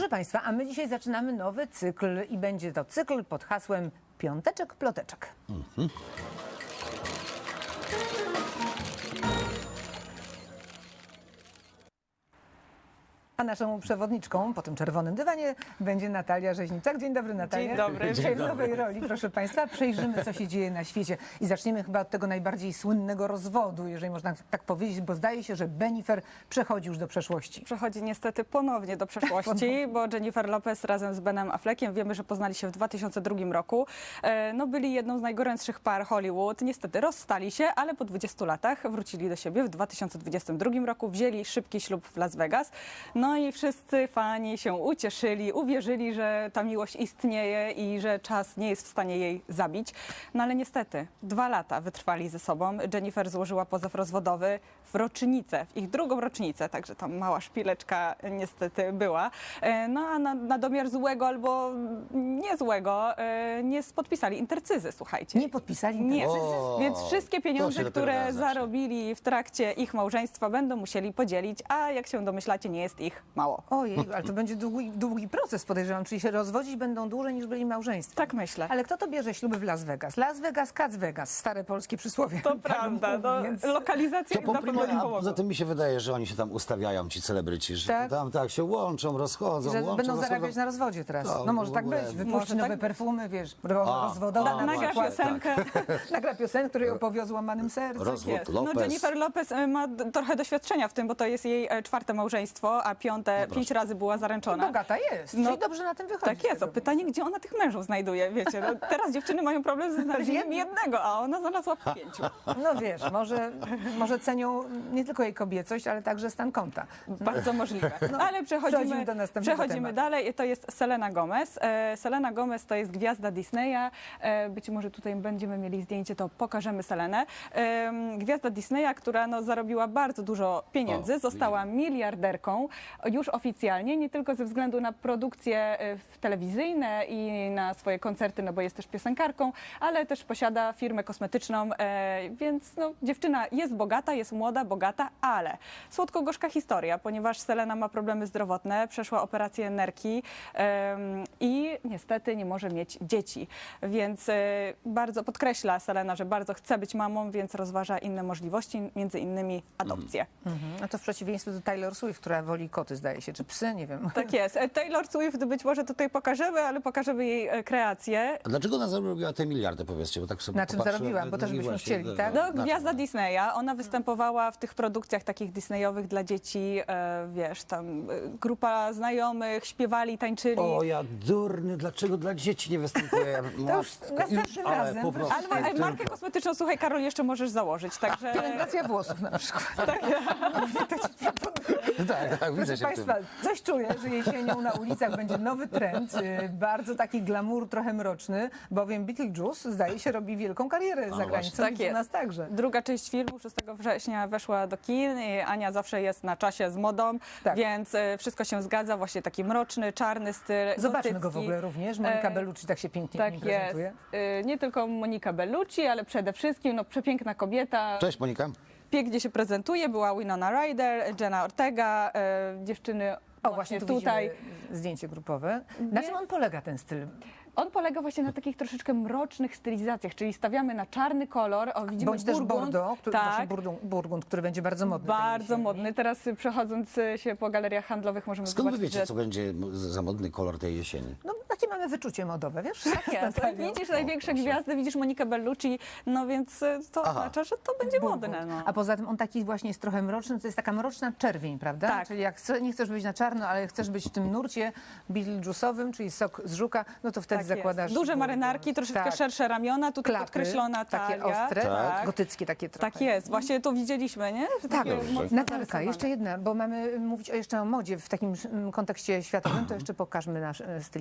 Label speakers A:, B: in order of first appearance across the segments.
A: Proszę Państwa, a my dzisiaj zaczynamy nowy cykl i będzie to cykl pod hasłem Piąteczek Ploteczek. A naszą przewodniczką po tym czerwonym dywanie będzie Natalia Rzeźniczak. Dzień dobry, Natalia.
B: Dzień dobry.
A: Dzisiaj w nowej roli, proszę Państwa, przejrzymy, co się dzieje na świecie. I zaczniemy chyba od tego najbardziej słynnego rozwodu, jeżeli można tak powiedzieć, bo zdaje się, że Bennifer przechodzi już do przeszłości.
B: Przechodzi niestety ponownie do przeszłości, bo Jennifer Lopez razem z Benem Affleckiem, wiemy, że poznali się w 2002 roku. No, byli jedną z najgorętszych par Hollywood. Niestety rozstali się, ale po 20 latach wrócili do siebie w 2022 roku. Wzięli szybki ślub w Las Vegas. No i wszyscy fani się ucieszyli, uwierzyli, że ta miłość istnieje i że czas nie jest w stanie jej zabić. No ale niestety 2 lata wytrwali ze sobą. Jennifer złożyła pozew rozwodowy w rocznicę, w ich drugą rocznicę, także tam mała szpileczka niestety była. No a na domiar złego albo niezłego nie podpisali intercyzy, słuchajcie.
A: Nie podpisali
B: Nie,
A: intercyzy?
B: więc wszystkie pieniądze,
C: to się dopiero
B: które
C: teraz zacznie.
B: zarobili w trakcie ich małżeństwa, będą musieli podzielić, a jak się domyślacie, nie jest ich mało.
A: Ojej, ale to będzie długi proces, podejrzewam, czyli się rozwodzić będą dłużej niż byli małżeństwem.
B: Tak myślę.
A: Ale kto to bierze śluby w Las Vegas? Las Vegas, Cats Vegas, stare polskie przysłowie.
B: To prawda, no,
A: Więc...
B: lokalizacja
C: To
B: na pewno nie
C: a
B: pomogła.
C: poza tym mi się wydaje, że oni się tam ustawiają, ci celebryci, że
A: Tak?
C: tam tak się łączą, rozchodzą,
A: Że
C: łączą,
A: będą
C: rozchodzą.
A: zarabiać na rozwodzie teraz.
C: To
A: No może
C: w
A: tak
C: ogóle-
A: być. Wypuści
B: Może
A: nowe
B: tak-
A: perfumy, wiesz, rozwodowe na
B: Nagra
A: przykład.
B: piosenkę.
A: Nagra piosenkę, której opowie o złamanym sercu.
C: Rozwód
B: Jest.
C: Lopez.
B: No, Jennifer Lopez ma trochę doświadczenia w tym, bo to jest jej 4. małżeństwo, a 5 razy była zaręczona.
A: Bogata jest,
B: No,
A: czyli dobrze na tym wychodzi.
B: Tak jest.
A: z tego.
B: O pytanie, gdzie ona tych mężów znajduje, wiecie. No, teraz dziewczyny mają problem ze znalezieniem jednego, a ona znalazła 5.
A: No wiesz, może cenią nie tylko jej kobiecość, ale także stan konta.
B: Bardzo możliwe.
A: No,
B: Ale
A: przechodzimy do następnego
B: przechodzimy
A: tematu.
B: dalej. To jest Selena Gomez. Selena Gomez to jest gwiazda Disneya. Być może tutaj będziemy mieli zdjęcie, to pokażemy Selenę. Gwiazda Disneya, która no, zarobiła bardzo dużo pieniędzy,
C: O,
B: została miliarderką już oficjalnie, nie tylko ze względu na produkcje telewizyjne i na swoje koncerty, no bo jest też piosenkarką, ale też posiada firmę kosmetyczną, więc no, dziewczyna jest bogata, jest młoda, bogata, ale słodko-gorzka historia, ponieważ Selena ma problemy zdrowotne, przeszła operację nerki i niestety nie może mieć dzieci, więc bardzo podkreśla Selena, że bardzo chce być mamą, więc rozważa inne możliwości, między innymi adopcję.
A: No to w przeciwieństwie do Taylor Swift, która woli koty, zdaje się, czy psy, nie wiem.
B: Tak jest. Taylor Swift być może tutaj pokażemy, ale pokażemy jej kreację.
C: A dlaczego ona zarobiła te miliardy, powiedzcie? Bo tak sobie
A: Na czym
C: popatrzyłem,
A: zarobiła? Bo też
C: no i
A: byśmy
C: właśnie,
A: chcieli, tak?
B: No,
C: na czym?
B: gwiazda Disneya, ona występowała w tych produkcjach takich Disneyowych dla dzieci, wiesz, tam grupa znajomych, śpiewali, tańczyli.
C: O, ja durny, dlaczego dla dzieci nie występuję?
A: następnym
C: ale
A: razem.
C: po prostu
B: Ale
C: tylko-
B: markę kosmetyczną, słuchaj, Karol, jeszcze możesz założyć, także...
A: Pielęgnacja włosów na przykład.
C: Tak, widzę
A: Proszę
C: się w tym.
A: Państwa, coś czuję, że jesienią na ulicach będzie nowy trend, bardzo taki glamour, trochę mroczny, bowiem Beetlejuice, zdaje się, robi wielką karierę za granicą.
B: Tak
A: i u
B: jest.
A: nas także.
B: Druga część filmu 6 września weszła do kin i Ania zawsze jest na czasie z modą,
A: Tak.
B: więc wszystko się zgadza, właśnie taki mroczny, czarny styl.
A: Zobaczmy go w
B: gotycki.
A: ogóle również. Monika Bellucci tak się pięknie
B: Tak
A: w nim
B: jest.
A: prezentuje.
B: Nie tylko Monika Bellucci, ale przede wszystkim no, przepiękna kobieta.
C: Cześć Monika.
B: Pięknie się prezentuje. Była Winona Ryder, Jenna Ortega, dziewczyny
A: O, właśnie tu
B: tutaj.
A: widzimy zdjęcie grupowe. Na czym on polega, ten styl?
B: On polega właśnie na takich troszeczkę mrocznych stylizacjach, czyli stawiamy na czarny kolor. O, widzimy
A: Bądź też
B: burgund.
A: Bordeaux,
B: Tak.
A: właśnie burgund, który będzie bardzo modny. tej
B: Bardzo
A: jesieni.
B: modny. Teraz przechodząc się po galeriach handlowych możemy
C: Skąd wy
B: zobaczyć,
C: wiecie,
B: że
C: co będzie za modny kolor tej jesieni?
A: No, takie mamy wyczucie modowe, wiesz?
B: tak jest. Widzisz największe gwiazdy, widzisz Monikę Bellucci, no więc to oznacza, że to będzie modne. No.
A: A poza tym on taki właśnie jest trochę mroczny, to jest taka mroczna czerwień, prawda?
B: Tak.
A: Czyli jak nie chcesz być na czarno, ale chcesz być w tym nurcie Beetlejuice'owym, czyli sok z żuka, no to wtedy
B: Tak
A: zakładasz...
B: jest. Duże marynarki, troszeczkę
A: tak.
B: szersze ramiona, tutaj
A: Klapy,
B: podkreślona
A: takie
B: talia.
A: ostre,
B: tak.
A: gotyckie takie trochę.
B: Tak jest, właśnie to widzieliśmy, nie?
A: Tak,
B: Takie
C: Dobrze.
B: mocno
A: Natalka,
B: zarysowane.
A: jeszcze jedna, bo mamy mówić jeszcze o modzie w takim kontekście światowym, to jeszcze pokażmy naszą stylizację.
B: Tak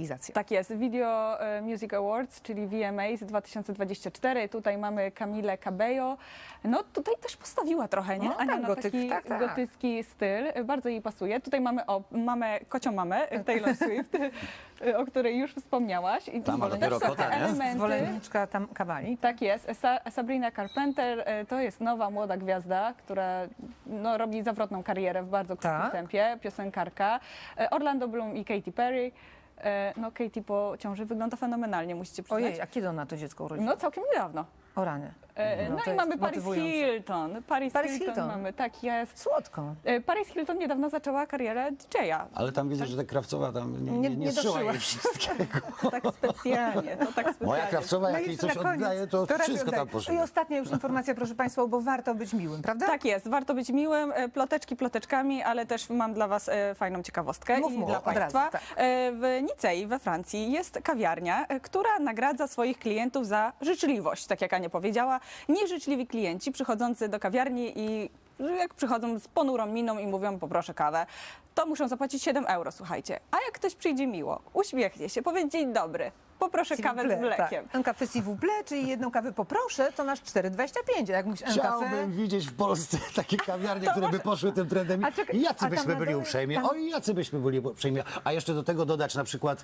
B: Tak jest, Video Music Awards, czyli VMAs 2024. Tutaj mamy Camilę Cabello. No tutaj też postawiła trochę, nie?
A: No,
B: Ania,
A: tak,
B: na
A: gotyk,
B: taki
A: tak.
B: gotycki styl. Bardzo jej pasuje. Tutaj mamy kocią mamę, Taylor Swift, o której już wspomniałaś. I
C: Tam, ale
B: też
C: dopiero
B: są
C: kota, nie?
B: elementy.
A: Zwolenniczka tam kawali.
B: Tak jest. Sabrina Carpenter to jest nowa, młoda gwiazda, która no, robi zawrotną karierę w bardzo krótkim
A: Tak.
B: tempie, piosenkarka. Orlando Bloom i Katy Perry. No Katy po ciąży wygląda fenomenalnie, musicie przyznać.
A: Ojej, a kiedy ona to dziecko urodziła?
B: No całkiem niedawno.
A: O rany.
B: No
A: to
B: i
A: jest
B: mamy Paris
A: motywujące.
B: Hilton. Paris Hilton
A: Hilton.
B: mamy, tak jest.
A: Słodko.
B: Paris Hilton niedawno zaczęła karierę DJ-a.
C: Ale tam widzę, że ta Krawcowa tam nie
A: doszyła.
C: szyła jej wszystkiego.
B: To tak specjalnie,
C: Moja Krawcowa, jak
A: No
C: jej
A: i
C: coś
A: na koniec
C: oddaje, to
A: raczej
C: wszystko
A: oddaje.
C: tam poszło.
A: I ostatnia już informacja, proszę Państwa, bo warto być miłym, prawda?
B: Tak jest, warto być miłym, ploteczki ploteczkami, ale też mam dla Was fajną ciekawostkę
A: Mów,
B: i
A: mów,
B: dla
A: od razu,
B: Państwa.
A: tak.
B: W Nicei we Francji jest kawiarnia, która nagradza swoich klientów za życzliwość, tak jak Ania powiedziała. Nieżyczliwi klienci przychodzący do kawiarni i jak przychodzą z ponurą miną i mówią poproszę kawę, to muszą zapłacić 7 euro, słuchajcie. A jak ktoś przyjdzie miło, uśmiechnie się, powie dzień dobry, poproszę kawę z mlekiem.
A: Tak. Un café s'il vous plaît, czyli jedną kawę poproszę, to nasz 4,25. A jak mówisz un café...
C: Chciałbym widzieć w Polsce takie kawiarnie, które by poszły tym trendem.
A: A czekaj,
C: I jacy
A: a tam
C: byśmy
A: na
C: byli
A: dole-
C: uprzejmi.
A: tam-
C: Oj, jacy byśmy byli uprzejmi. A jeszcze do tego dodać na przykład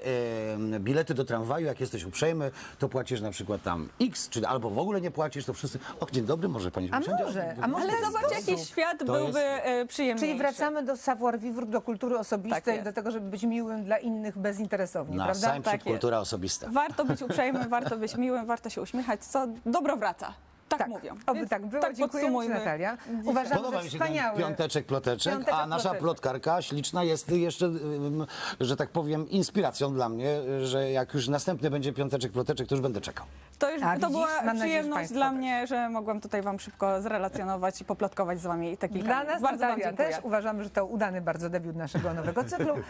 C: bilety do tramwaju. Jak jesteś uprzejmy, to płacisz na przykład tam X, czy albo w ogóle nie płacisz, to wszyscy... Och, dzień dobry, może pani
A: A
C: usiądzie?
A: może, a może
B: Ale
A: w ten
B: zobacz,
A: sposób.
B: jaki świat
C: To
B: byłby przyjemniejszy.
A: Czyli wracamy do savoir vivre, do kultury osobistej,
B: Tak jest.
A: do tego, żeby być miłym dla innych bezinteresownie,
C: Na
A: prawda?
C: sam
B: Tak
C: przed
B: jest.
C: kultura osobista.
B: Warto być uprzejmym, warto być miłym, warto się uśmiechać, co dobro wraca. Tak, mówią.
A: Oby
B: Więc
A: tak było.
B: tak
A: Dziękuję Ci,
B: podsumujmy
A: Natalia.
B: dzisiaj.
A: Uważam,
C: Podoba
A: że
C: mi się ten
A: wspaniały.
C: piąteczek, ploteczek,
A: Piąteczek,
C: a nasza
A: ploteczek.
C: plotkarka śliczna jest jeszcze, że tak powiem, inspiracją dla mnie, że jak już następny będzie piąteczek, ploteczek, to już będę czekał.
B: To już
A: A
B: to
A: widzisz?
B: była
A: Mam nadzieję, że
B: przyjemność
A: Państwo
B: dla
A: też.
B: mnie, że mogłam tutaj Wam szybko zrelacjonować i poplotkować z Wami te kilka
A: Dla
B: minut.
A: nas,
B: Bardzo Wam
A: Natalia,
B: dziękuję.
A: też uważamy, że to udany bardzo debiut naszego nowego cyklu.